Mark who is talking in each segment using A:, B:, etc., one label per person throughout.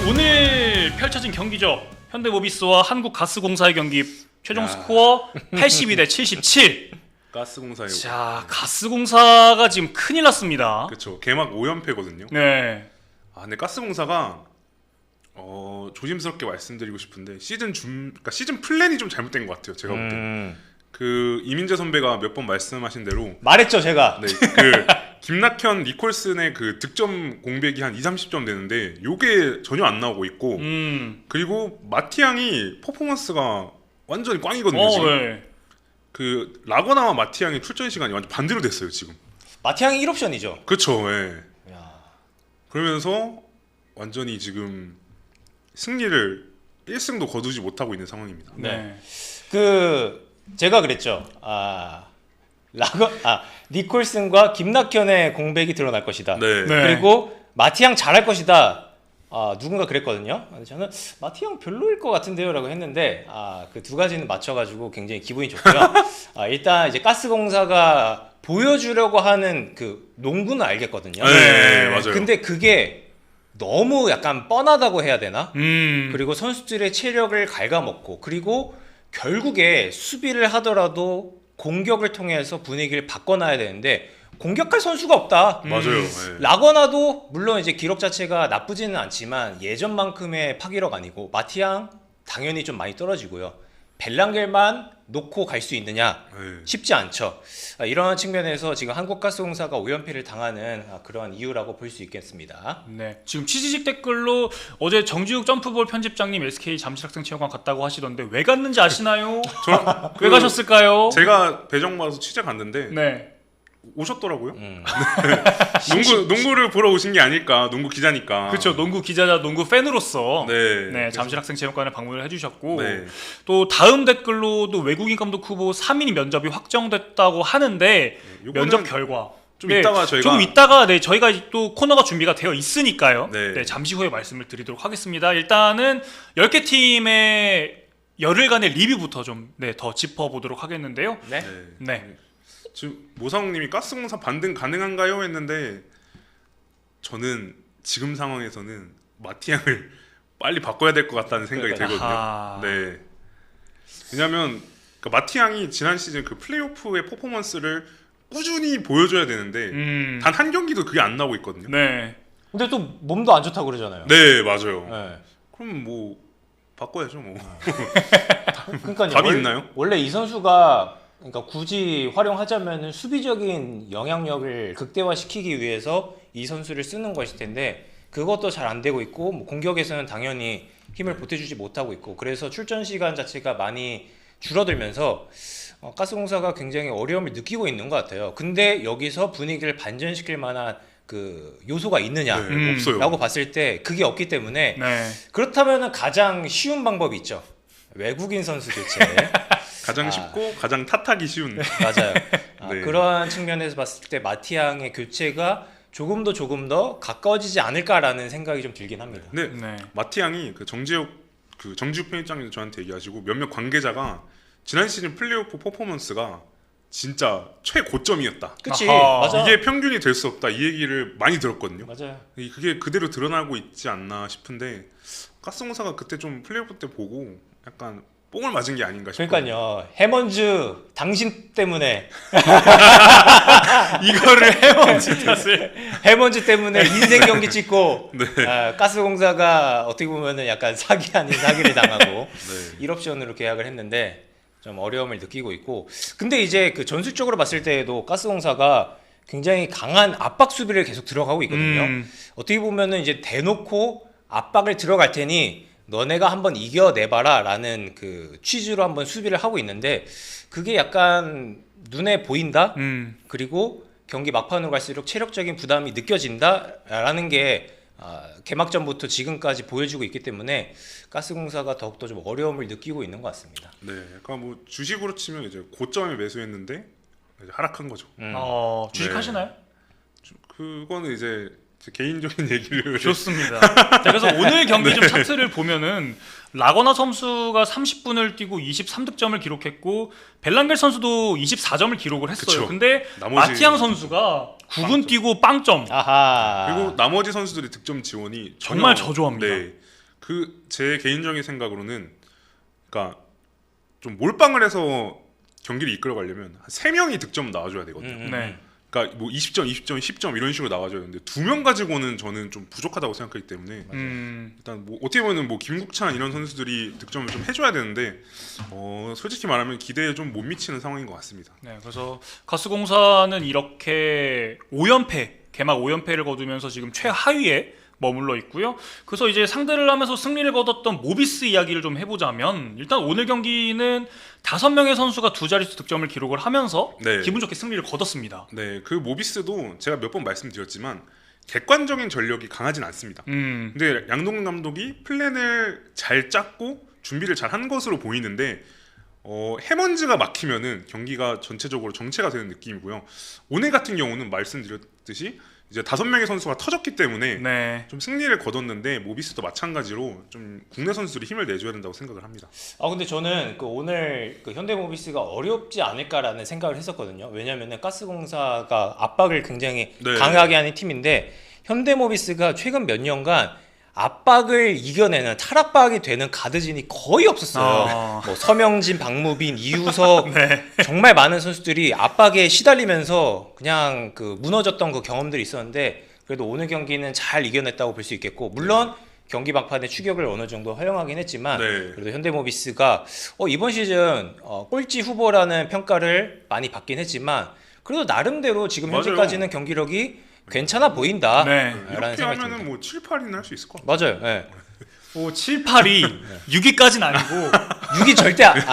A: 오늘 펼쳐진 경기죠. 현대모비스와 한국가스공사의 경기 최종 스코어 82대 77.
B: 가스공사요.
A: 자, 가스공사가 지금 큰일 났습니다.
B: 그렇죠. 개막 5연패거든요.
A: 네.
B: 근데 가스공사가 조심스럽게 말씀드리고 싶은데 그러니까 시즌 플랜이 좀 잘못된 것 같아요. 제가 볼 때. 그 이민재 선배가 몇 번 말씀하신 대로
C: 말했죠, 제가.
B: 네, 그 김낙현, 니콜슨의 그 득점 공백이 한 2-30점 되는데 요게 전혀 안 나오고 있고 그리고 마티앙이 퍼포먼스가 완전히 꽝이거든요. 지금.
A: 네.
B: 그 라거나와 마티앙의 출전 시간이 완전 반대로 됐어요, 지금.
C: 마티앙이 1옵션이죠.
B: 그렇죠. 예.
C: 야.
B: 그러면서 완전히 지금 승리를 1승도 거두지 못하고 있는 상황입니다.
A: 네.
C: 제가 그랬죠. 니콜슨과 김낙현의 공백이 드러날 것이다.
B: 네.
A: 네.
C: 그리고 마티앙 잘할 것이다. 누군가 그랬거든요. 근데 저는 마티앙 별로일 것 같은데요라고 했는데 그 두 가지는 맞춰가지고 굉장히 기분이 좋고요. 일단 이제 가스공사가 보여주려고 하는 그 농구는 알겠거든요.
B: 네, 맞아요.
C: 근데 그게 너무 약간 뻔하다고 해야 되나?
A: 그리고
C: 그리고 선수들의 체력을 갉아먹고 그리고 결국에 수비를 하더라도 공격을 통해서 분위기를 바꿔놔야 되는데 공격할 선수가 없다.
B: 맞아요. 네.
C: 라거나도 물론 이제 기록 자체가 나쁘지는 않지만 예전만큼의 파기력 아니고 마티앙 당연히 좀 많이 떨어지고요. 벨랑겔만 놓고 갈 수 있느냐
B: 네.
C: 쉽지 않죠. 이런 측면에서 지금 한국가스공사가 5연패를 당하는 그러한 이유라고 볼 수 있겠습니다.
A: 네. 지금 취지직 댓글로 어제 정지욱 점프볼 편집장님 SK 잠실학생체육관 갔다고 하시던데 왜 갔는지 아시나요? 왜 가셨을까요?
B: 제가 배정 받아서 취재 갔는데
A: 네.
B: 오셨더라고요. 농구를 보러 오신 게 아닐까. 농구 기자니까.
A: 그렇죠. 농구 기자자 농구 팬으로서
B: 네.
A: 잠실학생체육관에 방문을 해주셨고
B: 네.
A: 또 다음 댓글로도 외국인 감독 후보 3인 면접이 확정됐다고 하는데
B: 요거는
A: 면접 결과
B: 좀 이따가 저희가
A: 조금 이따가 저희가 또 코너가 준비가 되어 있으니까요.
B: 네.
A: 잠시 후에 말씀을 드리도록 하겠습니다. 일단은 10개 팀의 열흘간의 리뷰부터 좀 더 짚어보도록 하겠는데요.
C: 네.
A: 네.
B: 지금 모상욱님이 가스공사 반등 가능한가요? 했는데 저는 지금 상황에서는 마티앙을 빨리 바꿔야 될 것 같다는 생각이 들거든요. 네. 왜냐하면 마티앙이 지난 시즌 그 플레이오프의 퍼포먼스를 꾸준히 보여줘야 되는데 단 한 경기도 그게 안 나오고 있거든요.
A: 네.
C: 근데 또 몸도 안 좋다고 그러잖아요.
B: 네, 맞아요.
C: 네.
B: 그럼 뭐 바꿔야죠, 뭐.
C: 그러니까요.
B: 답이 있나요?
C: 원래 이 선수가 그러니까 굳이 활용하자면은 수비적인 영향력을 극대화시키기 위해서 이 선수를 쓰는 것일 텐데 그것도 잘 안 되고 있고 뭐 공격에서는 당연히 힘을 보태주지 못하고 있고 그래서 출전 시간 자체가 많이 줄어들면서 가스공사가 굉장히 어려움을 느끼고 있는 것 같아요. 근데 여기서 분위기를 반전시킬 만한 그 요소가 있느냐
B: 없어요.
C: 라고 봤을 때 그게 없기 때문에
A: 네.
C: 그렇다면 가장 쉬운 방법이 있죠. 외국인 선수 교체.
B: 가장 쉽고 가장 탓하기 쉬운.
C: 맞아요.
B: 네.
C: 그러한 측면에서 봤을 때 마티앙의 교체가 조금 더 가까워지지 않을까라는 생각이 좀 들긴 합니다.
B: 네.
A: 네.
B: 마티앙이 정지욱 편집장님도 저한테 얘기하시고 몇몇 관계자가 지난 시즌 플레이오프 퍼포먼스가 진짜 최고점이었다.
C: 그치?
A: 아하.
C: 맞아.
B: 이게 평균이 될 수 없다. 이 얘기를 많이 들었거든요.
C: 맞아요.
B: 그게 그대로 드러나고 있지 않나 싶은데 가스공사가 그때 좀 플레이오프 때 보고 약간 뽕을 맞은 게 아닌가 싶어요.
C: 그러니까요. 해먼즈 당신 때문에
A: 이거를 해먼지 탓을
C: 해먼즈 때문에 인생 경기 찍고
B: 네.
C: 가스공사가 어떻게 보면은 약간 사기 아닌 사기를 당하고
B: 네.
C: 1옵션으로 계약을 했는데 좀 어려움을 느끼고 있고 근데 이제 그 전술적으로 봤을 때에도 가스공사가 굉장히 강한 압박 수비를 계속 들어가고 있거든요. 어떻게 보면은 이제 대놓고 압박을 들어갈 테니 너네가 한번 이겨내봐라 라는 그 취지로 한번 수비를 하고 있는데 그게 약간 눈에 보인다? 그리고 경기 막판으로 갈수록 체력적인 부담이 느껴진다? 라는 게 개막전부터 지금까지 보여주고 있기 때문에 가스공사가 더욱더 좀 어려움을 느끼고 있는 것 같습니다.
B: 네, 약간 뭐 주식으로 치면 이제 고점에 매수했는데 이제 하락한 거죠.
A: 주식하시나요?
B: 그거는 이제 제 개인적인 얘기를
A: 좋습니다. 자, 그래서 오늘 경기 좀 차트를 보면은 라거나 선수가 30분을 뛰고 23득점을 기록했고 벨랑겔 선수도 24점을 기록을 했어요.
B: 그쵸.
A: 근데
B: 나머지
A: 마티앙 선수가 9분 뛰고 빵점.
C: 아하.
B: 그리고 나머지 선수들이 득점 지원이
A: 정말 저조합니다.
B: 네. 그 제 개인적인 생각으로는 그러니까 좀 몰빵을 해서 경기를 이끌어가려면 한 3명이 득점 나와줘야 되거든요.
A: 네.
B: 그러니까 뭐 20점, 20점, 10점 이런 식으로 나와줘야 되는데 2명 가지고는 저는 좀 부족하다고 생각하기 때문에 일단 뭐 어떻게 보면 뭐 김국찬 이런 선수들이 득점을 좀 해줘야 되는데 솔직히 말하면 기대에 좀 못 미치는 상황인 것 같습니다.
A: 네, 그래서 가스공사는 이렇게 5연패, 개막 5연패를 거두면서 지금 최하위에 머물러 있고요. 그래서 이제 상대를 하면서 승리를 거뒀던 모비스 이야기를 좀 해보자면 일단 오늘 경기는 5명의 선수가 두 자릿수 득점을 기록을 하면서
B: 네.
A: 기분 좋게 승리를 거뒀습니다.
B: 네, 그 모비스도 제가 몇 번 말씀드렸지만 객관적인 전력이 강하진 않습니다. 근데 양동근 감독이 플랜을 잘 짰고 준비를 잘 한 것으로 보이는데 해먼즈가 막히면은 경기가 전체적으로 정체가 되는 느낌이고요. 오늘 같은 경우는 말씀드렸듯이 이제 5명의 선수가 터졌기 때문에
A: 네.
B: 좀 승리를 거뒀는데 모비스도 마찬가지로 좀 국내 선수들이 힘을 내줘야 된다고 생각을 합니다.
C: 근데 저는 그 오늘 그 현대모비스가 어렵지 않을까라는 생각을 했었거든요. 왜냐면은 가스공사가 압박을 굉장히
B: 네.
C: 강하게 하는 팀인데 현대모비스가 최근 몇 년간 압박을 이겨내는 탈압박이 되는 가드진이 거의 없었어요. 뭐 서명진, 박무빈, 이우석
A: 네.
C: 정말 많은 선수들이 압박에 시달리면서 그냥 그 무너졌던 그 경험들이 있었는데 그래도 오늘 경기는 잘 이겨냈다고 볼 수 있겠고 물론 경기 막판에 추격을 어느 정도 허용하긴 했지만
B: 네.
C: 그래도 현대모비스가 이번 시즌 꼴찌 후보라는 평가를 많이 받긴 했지만 그래도 나름대로 지금
B: 맞아요.
C: 현재까지는 경기력이 괜찮아 보인다.
A: 네.
C: 라는
B: 이렇게
C: 생각이
B: 하면은
C: 듭니다.
B: 뭐 7, 8위는 할 수 있을 것 같아요.
C: 맞아요. 네.
A: 7, 8이 6위까지는 아니고
C: 6이 절대 네.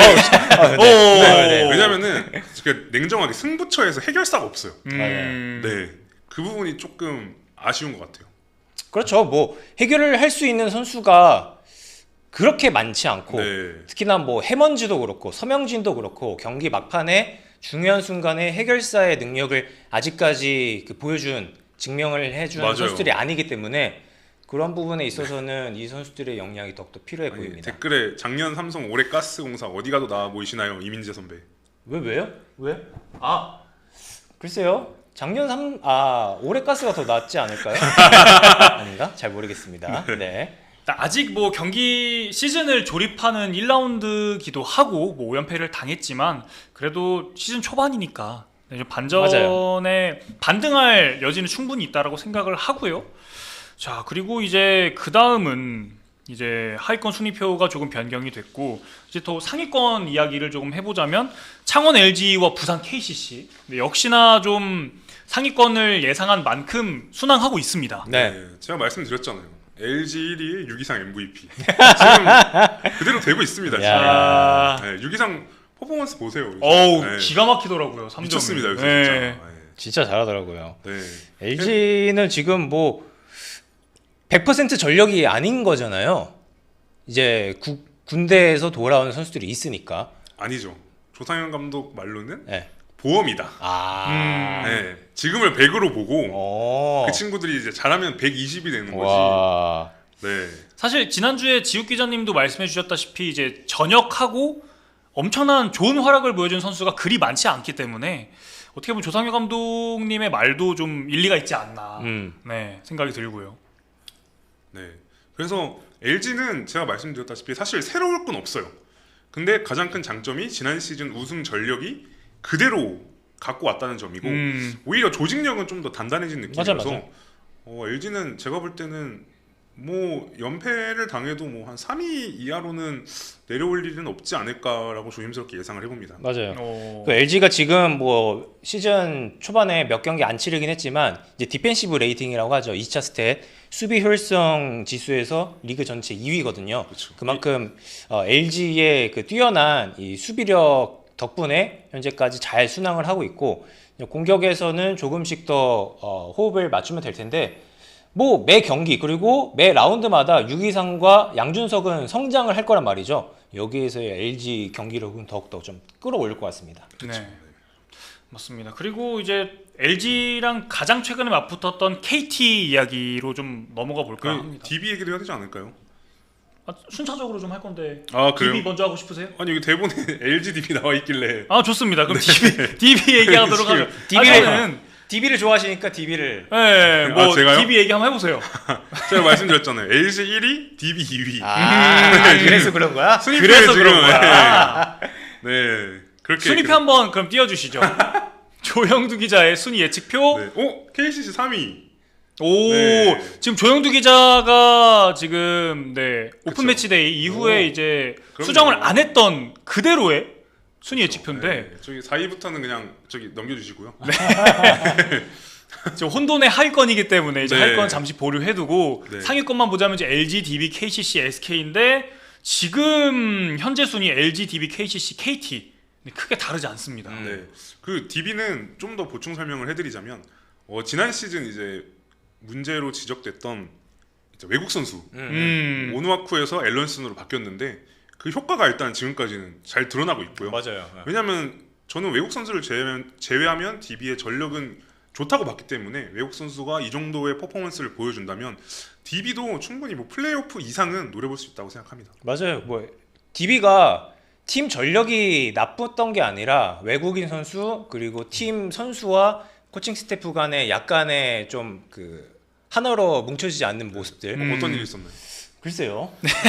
B: 네. 왜냐면은 냉정하게 승부처에서 해결사가 없어요. 네, 그 부분이 조금 아쉬운 것 같아요.
C: 그렇죠. 뭐 해결을 할 수 있는 선수가 그렇게 많지 않고
B: 네.
C: 특히나 뭐 해먼지도 그렇고 서명진도 그렇고 경기 막판에 중요한 순간에 해결사의 능력을 아직까지 보여준 증명을 해준
B: 맞아요.
C: 선수들이 아니기 때문에 그런 부분에 있어서는 이 선수들의 역량이 더욱더 필요해 보입니다.
B: 댓글에 작년 삼성 올해 가스공사 어디 가도 나와 보이시나요? 이민재 선배.
C: 왜요? 왜? 글쎄요. 올해 가스가 더 낫지 않을까요? 아닌가? 잘 모르겠습니다. 네.
A: 아직 뭐 경기 시즌을 조립하는 1라운드기도 하고 뭐 5연패를 당했지만 그래도 시즌 초반이니까 반전에 반등할 여지는 충분히 있다라고 생각을 하고요. 자, 그리고 이제 그 다음은 이제 하위권 순위표가 조금 변경이 됐고 이제 더 상위권 이야기를 조금 해보자면 창원 LG와 부산 KCC 역시나 좀 상위권을 예상한 만큼 순항하고 있습니다.
C: 네.
B: 제가 말씀드렸잖아요. LG 1위 6이상 MVP. 지금 그대로 되고 있습니다. 지금. 네, 6이상 퍼포먼스 보세요.
A: 어우, 기가 막히더라고요. 3점이.
B: 미쳤습니다. 요새
A: 네.
B: 진짜. 네.
C: 진짜 잘하더라고요.
B: 네.
C: LG는 지금 뭐 100% 전력이 아닌 거잖아요. 이제 군대에서 돌아온 선수들이 있으니까.
B: 아니죠. 조상현 감독 말로는
C: 네.
B: 보험이다.
C: 네.
B: 지금을 100으로 보고 그 친구들이 이제 잘하면 120이 되는
C: 와.
B: 거지. 네.
A: 사실 지난주에 지욱 기자님도 말씀해 주셨다시피 이제 전역하고 엄청난 좋은 활약을 보여준 선수가 그리 많지 않기 때문에 어떻게 보면 조상현 감독님의 말도 좀 일리가 있지 않나 네, 생각이 들고요.
B: 네. 그래서 LG는 제가 말씀드렸다시피 사실 새로울 건 없어요. 근데 가장 큰 장점이 지난 시즌 우승 전력이 그대로 갖고 왔다는 점이고 오히려 조직력은 좀 더 단단해진 느낌이라서 LG는 제가 볼 때는 뭐 연패를 당해도 뭐 한 3위 이하로는 내려올 일은 없지 않을까라고 조심스럽게 예상을 해봅니다.
C: 맞아요. LG가 지금 뭐 시즌 초반에 몇 경기 안 치르긴 했지만 이제 디펜시브 레이팅이라고 하죠. 2차 스탯 수비 효율성 지수에서 리그 전체 2위거든요.
B: 그렇죠.
C: 그만큼 LG의 그 뛰어난 이 수비력 덕분에 현재까지 잘 순항을 하고 있고 공격에서는 조금씩 더 호흡을 맞추면 될 텐데 뭐 매 경기 그리고 매 라운드마다 유기상과 양준석은 성장을 할 거란 말이죠. 여기에서의 LG 경기력은 더욱더 좀 끌어올릴 것 같습니다.
A: 네, 맞습니다. 그리고 이제 LG랑 가장 최근에 맞붙었던 KT 이야기로 좀 넘어가 볼까 합니다.
B: DB 얘기도 해야 되지 않을까요?
A: 순차적으로 좀 할 건데
B: 그래요?
A: DB 먼저 하고 싶으세요?
B: 아니 여기 대본에 LG DB 나와 있길래
A: 좋습니다. 그럼 DB 얘기하도록 하죠.
C: DB를 좋아하시니까 DB를.
A: 네, 뭐
B: 제가요?
A: DB 얘기 한번 해보세요.
B: 제가 말씀드렸잖아요. LG 1위, DB 2위.
C: 그래서 그런 거야?
B: 순위표에
A: 그래서
B: 지금,
A: 그런 거야.
B: 네, 그렇게
A: 순위표 한번 그럼 띄워주시죠. 조영두 기자의 순위 예측표.
B: 네. KCC 3위.
A: 오,
B: 네.
A: 지금 조영두 기자가 지금 오픈
B: 그쵸.
A: 매치데이 이후에
B: 오,
A: 이제
B: 그럼요.
A: 수정을 안 했던 그대로의 순위 예측표인데
B: 네. 저기 4위부터는 그냥 저기 넘겨주시고요.
A: 지금 혼돈의 하위권이기 때문에 이제
B: 네.
A: 하위권 잠시 보류해두고
B: 네.
A: 상위권만 보자면 이제 LG, DB, KCC, SK인데 지금 현재 순위 LG, DB, KCC, KT 크게 다르지 않습니다.
B: 네. 그 DB는 좀 더 보충 설명을 해드리자면 지난 시즌 이제 문제로 지적됐던 이제 외국 선수 오누아쿠에서 앨런슨으로 바뀌었는데 그 효과가 일단 지금까지는 잘 드러나고 있고요.
C: 맞아요.
B: 왜냐하면 저는 외국 선수를 제외하면 DB의 전력은 좋다고 봤기 때문에 외국 선수가 이 정도의 퍼포먼스를 보여준다면 DB도 충분히 뭐 플레이오프 이상은 노려볼 수 있다고 생각합니다.
C: 맞아요. 뭐 DB가 팀 전력이 나빴던 게 아니라 외국인 선수 그리고 팀 선수와 코칭 스태프 간에 약간의 좀 그 하나로 뭉쳐지지 않는 모습들.
B: 어떤 일이 있었나요?
C: 글쎄요.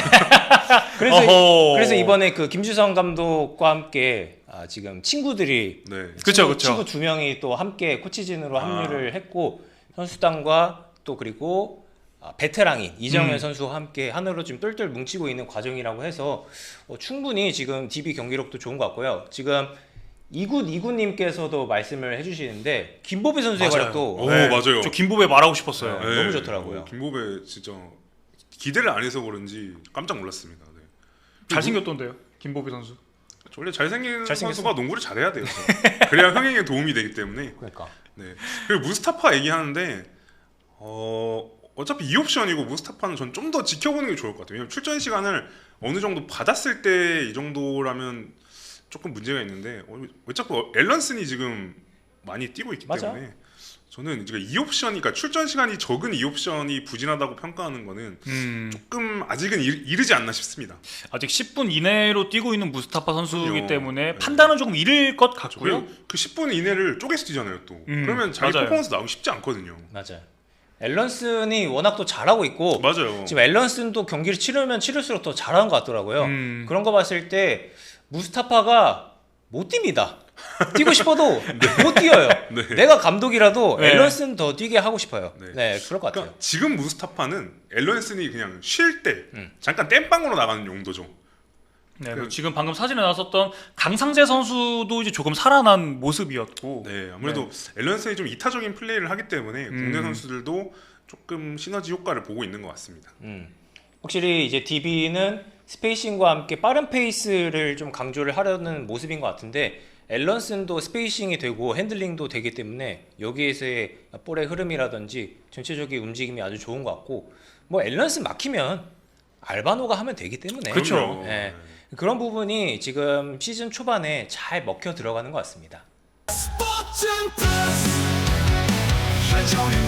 A: 어허.
C: 그래서 이번에 그 김주성 감독과 함께 지금 친구들이
B: 네.
A: 그쵸.
C: 친구 2명이 또 함께 코치진으로 합류를 했고 선수단과 또 그리고 베테랑인 이정현 선수와 함께 하나로 좀 똘똘 뭉치고 있는 과정이라고 해서 충분히 지금 DB 경기력도 좋은 것 같고요. 지금 이군님께서도 말씀을 해주시는데 김보배 선수의
A: 맞아요.
C: 활약도
B: 오, 맞아요.
A: 저 김보배 말하고 싶었어요.
C: 네. 너무 좋더라고요.
B: 김보배 진짜 기대를 안 해서 그런지 깜짝 놀랐습니다. 네.
A: 잘생겼던데요, 김보배 선수.
B: 원래 잘생긴
C: 잘생겼어.
B: 선수가 농구를 잘해야 돼요. 그래야 흥행에 도움이 되기 때문에.
C: 그러니까
B: 네. 그리고 무스타파 얘기하는데 어차피 2옵션이고 무스타파는 전 좀 더 지켜보는 게 좋을 것 같아요. 왜냐면 출전 시간을 어느 정도 받았을 때 이 정도라면 조금 문제가 있는데 왜 자꾸 앨런슨이 지금 많이 뛰고 있기
C: 맞아.
B: 때문에 저는 이제 2옵션, 그러니까 출전 시간이 적은 2옵션이 부진하다고 평가하는 거는 조금 아직은 이르지 않나 싶습니다.
A: 아직 10분 이내로 뛰고 있는 무스타파 선수이기
B: 그럼요.
A: 때문에
B: 네.
A: 판단은 조금 이를 것 같고요.
B: 그리고 그 10분 이내를 쪼개서 뛰잖아요 또. 그러면 자기
A: 맞아요.
B: 퍼포먼스 나오기 쉽지 않거든요.
C: 맞아요. 앨런슨이 워낙 또 잘하고 있고
B: 맞아요.
C: 지금 앨런슨도 경기를 치르면 치를수록 더 잘하는 것 같더라고요. 그런 거 봤을 때 무스타파가 못 뜁니다. 뛰고 싶어도 못 뛰어요.
B: 네.
C: 내가 감독이라도
A: 네.
C: 앨런슨 더 뛰게 하고 싶어요.
B: 네.
C: 네, 그럴 것 같아요.
B: 그러니까 지금 무스타파는 앨런슨이 그냥 쉴 때 잠깐 땜빵으로 나가는 용도죠.
A: 네, 그리고 지금 방금 사진에 나왔었던 강상재 선수도 이제 조금 살아난 모습이었고.
B: 네, 아무래도 앨런슨이 좀 이타적인 플레이를 하기 때문에 국내 선수들도 조금 시너지 효과를 보고 있는 것 같습니다.
C: 확실히 이제 DB는 스페이싱과 함께 빠른 페이스를 좀 강조를 하려는 모습인 것 같은데 앨런슨도 스페이싱이 되고 핸들링도 되기 때문에 여기에서의 볼의 흐름이라든지 전체적인 움직임이 아주 좋은 것 같고 뭐 앨런슨 막히면 알바노가 하면 되기 때문에
A: 그쵸.
B: 그럼요.
C: 네. 그런 부분이 지금 시즌 초반에 잘 먹혀 들어가는 것 같습니다.
D: 스포츠 플러스 한정의